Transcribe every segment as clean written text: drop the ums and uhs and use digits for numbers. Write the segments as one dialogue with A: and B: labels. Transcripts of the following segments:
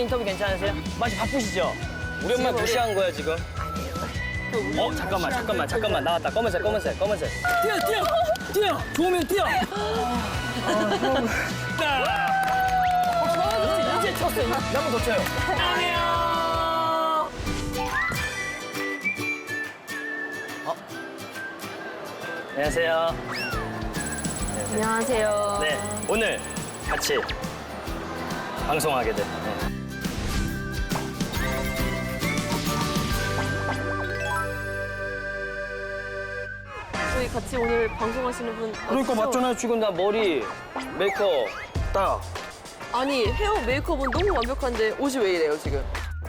A: 인터뷰 괜찮으세요? 마치 바쁘시죠? 우리 엄마 무시한 거야 지금? 아니에요. 잠깐만 나왔다. 검은색. 뛰어. 좋으면 뛰어. 이제 쳤어. 한번 더 쳐요. 안녕하세요.
B: 안녕하세요.
A: 네, 오늘 같이 방송하게 돼.
B: 저희 같이 오늘 방송하시는 분
A: 그러니까
B: 아시죠?
A: 맞잖아요. 지금 나 머리, 메이크업 딱.
B: 아니 헤어 메이크업은 너무 완벽한데 옷이 왜 이래요 지금?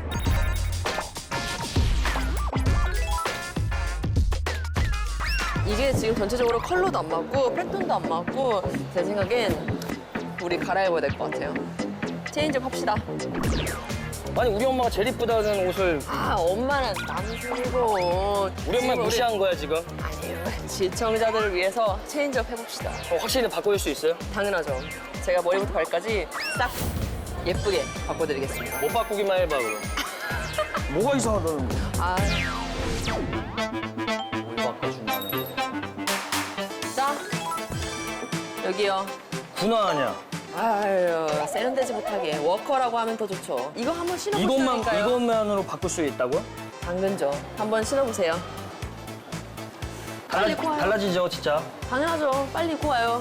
B: 이게 지금 전체적으로 컬러도 안 맞고 패턴도 안 맞고 제 생각엔 우리 갈아입어야 될 것 같아요. 체인지업 합시다.
A: 아니 우리 엄마가 제일 이쁘다는 옷을
B: 아 엄마는 남순이고
A: 우리 엄마 무시한 거야 지금?
B: 아니에요. 시청자들을 위해서 체인지업 해봅시다.
A: 확실히 바꿔줄 수 있어요?
B: 당연하죠. 제가 머리부터 발까지 싹 예쁘게 바꿔드리겠습니다.
A: 못 바꾸기만 해봐 그럼. 뭐가 이상하다는 거야?
B: 아,
A: 뭘 바꿔준다는 거야?
B: 자 여기요.
A: 분화하냐?
B: 아유 세련되지 못하게 워커라고 하면 더 좋죠. 이거 한번 신어보시라니까요.
A: 이것만으로 바꿀 수 있다고요?
B: 당근죠. 한번 신어보세요. 빨리 코와요.
A: 달라지죠 진짜.
B: 당연하죠. 빨리 코와요.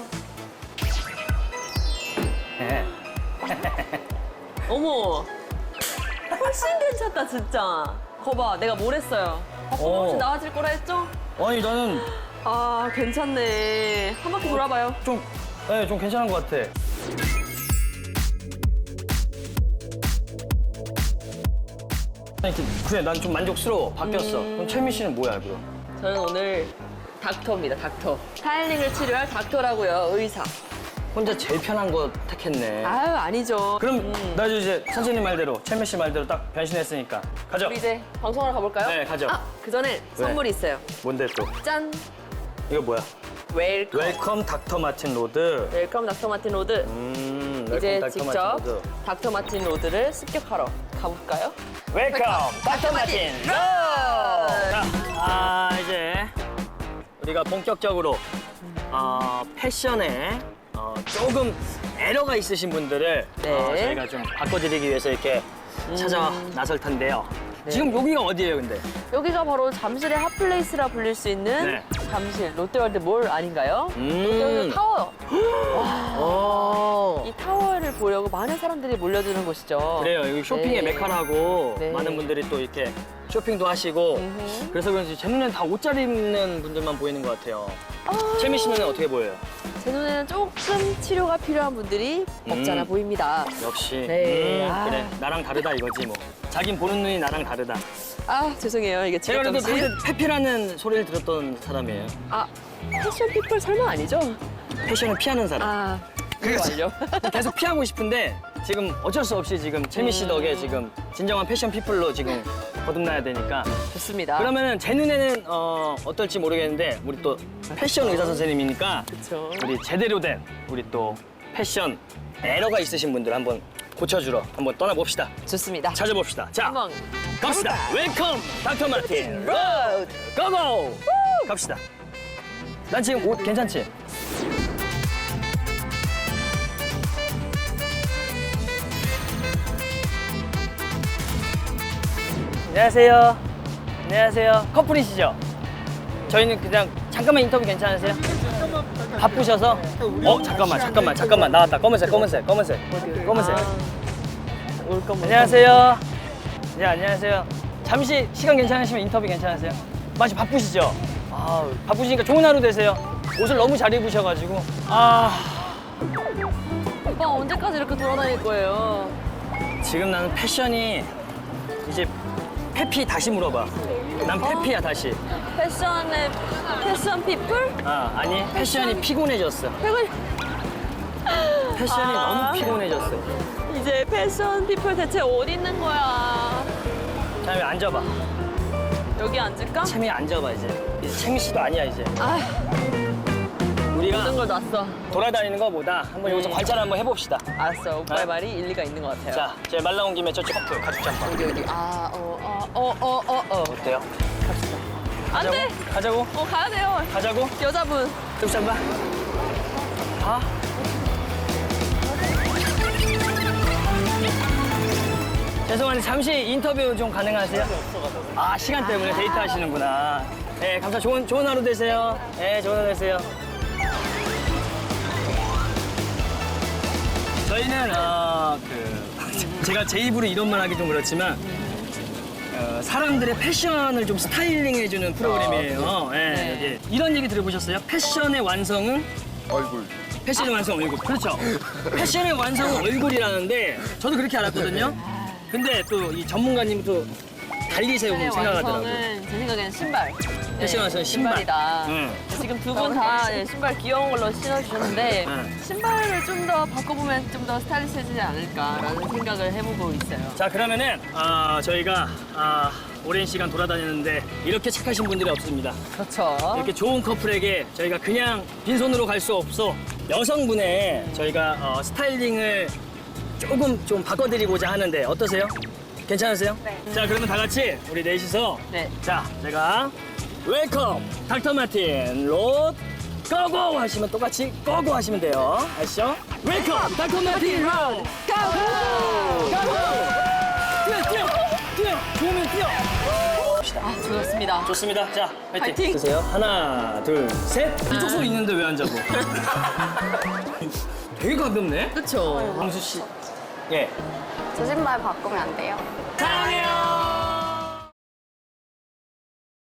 B: 어머 훨씬 괜찮다 진짜. 거봐 내가 뭘 했어요. 바꾸면 훨씬 나아질 거라 했죠?
A: 아니 나는
B: 아 괜찮네. 한 바퀴 돌아봐요.
A: 좀 괜찮은 것 같아. 그래 난 좀 만족스러워. 바뀌었어. 그럼 최민 씨는 뭐야 그럼?
B: 저는 오늘 닥터입니다. 닥터. 스타일링을 치료할 닥터라고요. 의사.
A: 혼자 제일 편한 거 택했네.
B: 아유 아니죠.
A: 그럼 나 이제 선생님 말대로 최민 씨 말대로 딱 변신했으니까 가죠.
B: 우리 이제 방송하러 가볼까요?
A: 네, 가죠.
B: 아, 그 전에 선물이 있어요.
A: 뭔데 또?
B: 짠!
A: 이거 뭐야?
B: 웰컴.
A: 웰컴 닥터 마틴 로드.
B: 웰컴 닥터 마틴 로드.
A: 웰컴
B: 이제
A: 닥터
B: 직접
A: 마틴 로드.
B: 닥터 마틴 로드를 습격하러 가볼까요?
A: 웰컴 닥터 마틴 로드. 자, 이제 우리가 본격적으로 패션에 조금 에러가 있으신 분들을
B: 네.
A: 저희가 좀 바꿔드리기 위해서 이렇게 찾아 나설 텐데요.
B: 네.
A: 지금 여기가 어디예요, 근데?
B: 여기가 바로 잠실의 핫플레이스라 불릴 수 있는
A: 네.
B: 잠실 롯데월드 몰 아닌가요? 롯데월드 타워.
A: 오.
B: 이 타워를 보려고 많은 사람들이 몰려드는 곳이죠.
A: 그래요. 여기 쇼핑의
B: 네.
A: 메카라고
B: 네.
A: 많은 분들이 또 이렇게 쇼핑도 하시고
B: 음흠.
A: 그래서 그런지 제 눈에는 다 옷 잘 입는 분들만 보이는 것 같아요. 채미 씨 눈에는 어떻게 보여요?
B: 제 눈에는 조금 치료가 필요한 분들이 없잖아 보입니다.
A: 역시
B: 네.
A: 그래 나랑 다르다 이거지 뭐. 자긴 보는 눈이 나랑 다르다.
B: 아 죄송해요 이게
A: 제가 그래도
B: 지갑
A: 사실 페피라는 소리를 들었던 사람이에요.
B: 아 패션 피플 설마 아니죠?
A: 패션을 피하는 사람.
B: 아 그게 완료.
A: 계속 피하고 싶은데 지금 어쩔 수 없이 지금 채미 씨 덕에 지금 진정한 패션 피플로 지금 거듭나야 되니까.
B: 좋습니다.
A: 그러면은 제 눈에는 어떨지 모르겠는데 우리 또 패션 의사 선생님이니까
B: 그쵸.
A: 우리 제대로 된 우리 또 패션 에러가 있으신 분들 한번 고쳐주러 한번 떠나봅시다.
B: 좋습니다.
A: 찾아봅시다. 자,
B: 한번
A: 갑시다. 웰컴 닥터 마틴
B: 로드.
A: 고고! 갑시다. 난 지금 옷 괜찮지? 안녕하세요. 안녕하세요. 커플이시죠? 저희는 그냥 잠깐만 인터뷰 괜찮으세요? 바쁘셔서? 잠깐만 나왔다. 검은색.
B: 올 거면
A: 안녕하세요. 네, 안녕하세요. 잠시 시간 괜찮으시면 인터뷰 괜찮으세요? 마치 바쁘시죠? 바쁘시니까 좋은 하루 되세요. 옷을 너무 잘 입으셔가지고.
B: 오빠 언제까지 이렇게 돌아다닐 거예요?
A: 지금 나는 패션이 이제 페피 다시 물어봐. 난 페피야 다시.
B: 패션 피플?
A: 아니 패션이 피곤해졌어. 패션이 너무 피곤해졌어.
B: 이제 패션 피플 대체 어디 있는 거야?
A: 자, 여기 앉아봐.
B: 여기 앉을까?
A: 채미 앉아봐 이제. 이제 채미 씨도 아니야 이제.
B: 아,
A: 우리가
B: 모든 걸 놨어.
A: 돌아다니는 것보다 한번 여기서 관찰 한번 해봅시다.
B: 알았어. 오빠의
A: 네.
B: 말이 일리가 있는 것 같아요.
A: 자, 제가 말 나온 김에 저쪽 커플 가죽 잠바.
B: 여기.
A: 어때요?
B: 갑시다. 안 돼!
A: 가자고?
B: 가야 돼요.
A: 가자고?
B: 여자분.
A: 가죽 잠바. 가. 죄송한데 잠시 인터뷰 좀 가능하세요? 아, 시간 때문에 데이트 하시는구나. 네, 감사합니다. 좋은 하루 되세요. 네, 좋은 하루 되세요. 저희는 제가 제 입으로 이런 말 하기 좀 그렇지만 사람들의 패션을 좀 스타일링해주는 프로그램이에요. 네, 이게 이런 얘기 들어보셨어요? 패션의 완성은
C: 얼굴.
A: 패션의 완성 얼굴. 그렇죠. 패션의 완성은 얼굴이라는데 저도 그렇게 알았거든요. 근데 또 이 전문가님 또 달리 세우고 생각하더라고요.
B: 완성은 제 생각엔 신발.
A: 패션 완성은 신발.
B: 신발이다.
A: 응.
B: 지금 두 분 다 신발 귀여운 걸로 신어주셨는데
A: 응.
B: 신발을 좀 더 바꿔보면 좀 더 스타일리시해지지 않을까라는 생각을 해보고 있어요.
A: 자, 그러면은 저희가 오랜 시간 돌아다녔는데 이렇게 착하신 분들이 없습니다.
B: 그렇죠.
A: 이렇게 좋은 커플에게 저희가 그냥 빈손으로 갈 수 없어 여성분의 저희가 스타일링을 조금 좀 바꿔드리고자 하는데 어떠세요? 괜찮으세요? 네. 자, 그러면 다 같이 우리 넷이서
B: 네.
A: 자, 제가 웰컴 닥터 마틴 롯 고고 하시면 똑같이 고고 하시면 돼요. 아시죠? 웰컴 닥터 마틴 롯 고고! 뛰어! 좋으면 뛰어!
B: 아, 좋습니다.
A: 좋습니다. 자, 파이팅.
B: 파이팅.
A: 드세요. 하나, 둘, 셋. 이쪽 손 있는데 왜 안 잡고? 되게 가볍네.
B: 그렇죠.
A: 광수 씨. 예.
D: 저 신발 바꾸면 안 돼요?
A: 사랑해요.